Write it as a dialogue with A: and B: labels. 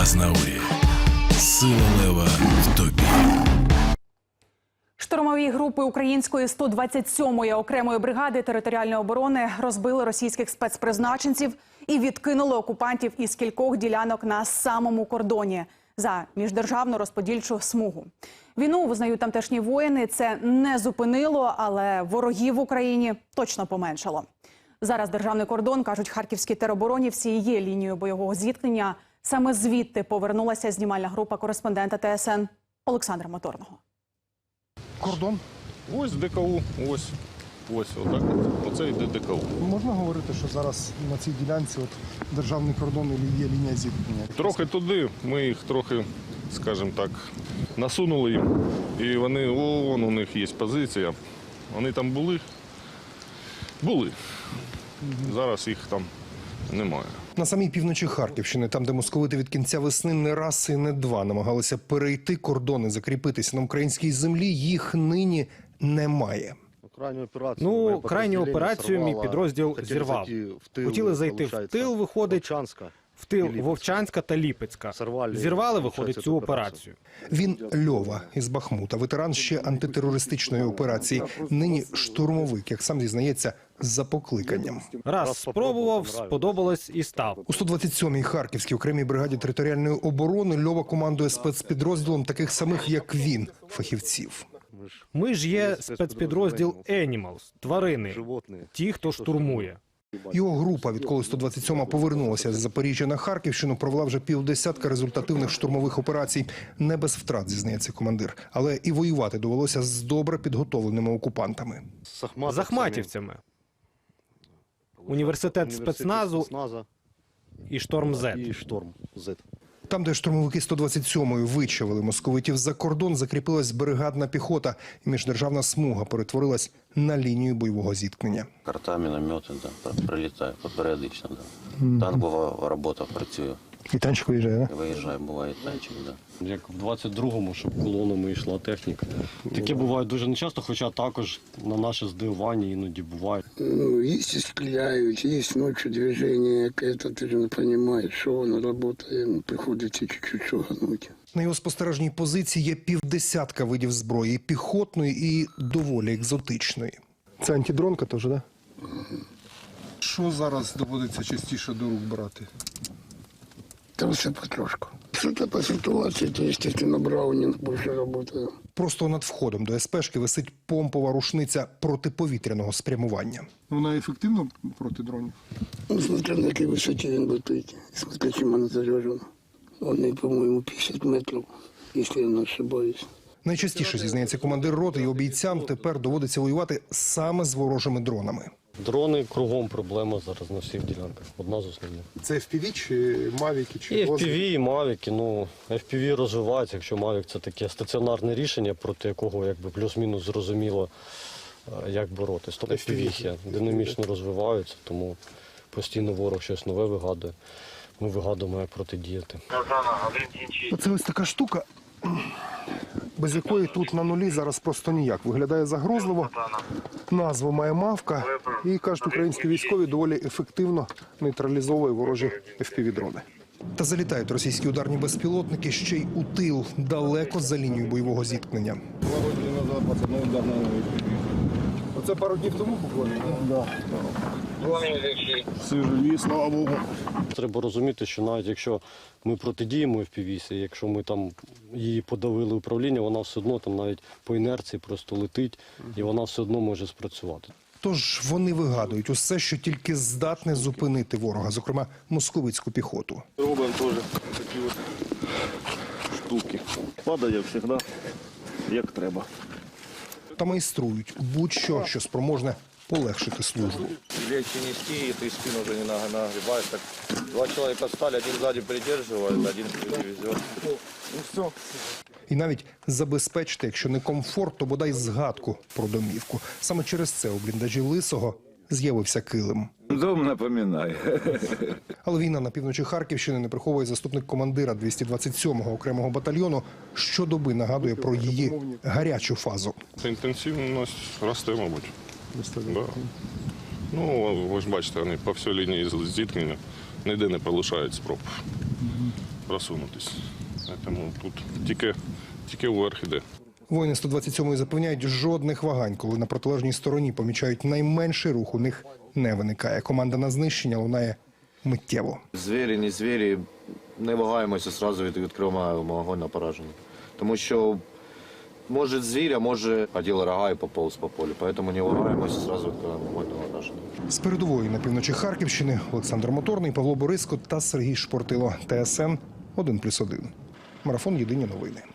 A: Азнаурі. Сила лева в тобі.
B: Штурмові групи української 127-ї окремої бригади територіальної оборони розбили російських спецпризначенців і відкинули окупантів із кількох ділянок на самому кордоні за міждержавну розподільчу смугу. Війну, визнають тамтешні воїни, це не зупинило, але ворогів в Україні точно поменшало. Зараз державний кордон, кажуть харківські тероборонівці, є лінією бойового зіткнення. Саме звідти повернулася знімальна група кореспондента ТСН Олександра Моторного.
C: Кордон?
D: Ось ДКУ, ось отак. Оце йде ДКУ.
C: Можна говорити, що зараз на цій ділянці державний кордон і є лінія зіткнення?
D: Трохи туди, ми їх трохи, скажімо так, насунули їм. І вони, вон у них є позиція. Вони там були. Зараз їх там немає.
C: На самій півночі Харківщини, там, де московити від кінця весни не раз і не два намагалися перейти кордони, закріпитися на українській землі, їх нині немає.
E: Крайню операцію мій підрозділ зірвав. Хотіли зайти в тил, виходить, в тил Вовчанська та Ліпецька. Зірвали, виходить, цю операцію.
C: Він Льова із Бахмута, ветеран ще антитерористичної операції. Нині штурмовик, як сам зізнається, за покликанням.
E: Раз спробував, сподобалось і став.
C: У 127-й Харківській окремій бригаді територіальної оборони Льова командує спецпідрозділом таких самих, як він, фахівців.
E: Ми ж є спецпідрозділ Animals, тварини, ті, хто штурмує.
C: Його група, відколи 127-ма повернулася з Запоріжжя на Харківщину, провела вже півдесятка результативних штурмових операцій. Не без втрат, зізнається командир. Але і воювати довелося з добре підготовленими окупантами.
E: З ахматівцями. Університет спецназу і Шторм З.
C: Там, де штурмовики 127-ї вичавили московитів за кордон, закріпилась бригадна піхота. І міждержавна смуга перетворилась на лінію бойового зіткнення.
F: Карта, міномети, прилітає періодично. Танкова робота працює.
C: І танчик виїжджає, так?
F: Виїжджає, буває танчик, так.
G: Як в 22-му, щоб колонами йшла техніка. Таке буває дуже нечасто, хоча також на наше здивування іноді буває.
H: Есть и стреляют, есть ночью движение, это ты же не понимаешь, что оно работает, приходится чуть-чуть шугануть.
C: На його спостережній позиції є півдесятка видів зброї, піхотної і доволі екзотичної. Це антидронка теж, так? Що зараз доводиться частіше до рук брати?
H: Там все потрошку. Что-то по ситуации, то, естественно, Браунинг больше работает.
C: Просто над входом до СПшки висить помпова рушниця протиповітряного спрямування.
I: Вона ефективна проти дронів?
H: Ну, смотря на какой высоте он летит, смотря чем она заряжена. Он, по-моему, 50 метров, если я не ошибаюсь.
C: Найчастіше, зізнається командир роти, його бійцям тепер доводиться воювати саме з ворожими дронами.
G: Дрони кругом проблема зараз на всіх ділянках. Одна з основних.
C: Це FPV чи Мавіки? Чи
G: І FPV, і Мавіки. FPV розвивається, якщо Мавік це таке стаціонарне рішення, проти якого якби плюс-мінус зрозуміло, як боротись. То FPV динамічно розвиваються, тому постійно ворог щось нове вигадує. Ми вигадуємо, як протидіяти.
C: Це ось така штука, без якої тут на нулі зараз просто ніяк. Виглядає загрозливо, назву має «Мавка» і, кажуть, українські військові доволі ефективно нейтралізовує ворожі FPV-дрони. Та залітають російські ударні безпілотники ще й у тил, далеко за лінією бойового зіткнення. Оце пару днів тому буквально?
D: Всі живі, слава Богу.
G: Треба розуміти, що навіть якщо ми протидіємо FPV, якщо ми там її подавили управління, вона все одно там навіть по інерції просто летить, і вона все одно може спрацювати.
C: Тож вони вигадують усе, що тільки здатне зупинити ворога, зокрема московицьку піхоту.
D: Робимо теж такі от штуки. Падає завжди, як треба.
C: Та майструють будь-що, що спроможне полегшити службу.
J: Легче нести, и ты спину уже не нагребаешь. Так, два человека встали, один сзади придерживает, один впереди везет. Ну все.
C: І навіть забезпечити, якщо не комфорт, то бодай згадку про домівку. Саме через це у бліндажі Лисого з'явився килим.
K: Дом напоминає.
C: Але війна на півночі Харківщини не приховує заступник командира 227-го окремого батальйону. Щодоби нагадує про її гарячу фазу.
D: Інтенсивність росте, мабуть. Да. Ну, ви ж бачите, вони по всій лінії зіткнення ніде не полишають спроб. просунутися. Тому тут тільки вверх іде.
C: Воїни 127-ї запевняють, жодних вагань, коли на протилежній стороні помічають найменший рух, у них не виникає. Команда на знищення лунає миттєво.
J: Звірі, не звірі, не вагаємося, одразу відкриваємо вогонь на пораження. Тому що може звір, а може оділ рога і поповз по полю. Тому не вагаємося, одразу відкриваємо вогонь на пораження.
C: З передової на півночі Харківщини Олександр Моторний, Павло Бориско та Сергій Шпортило. ТСН 1+1. Марафон «Єдині новини».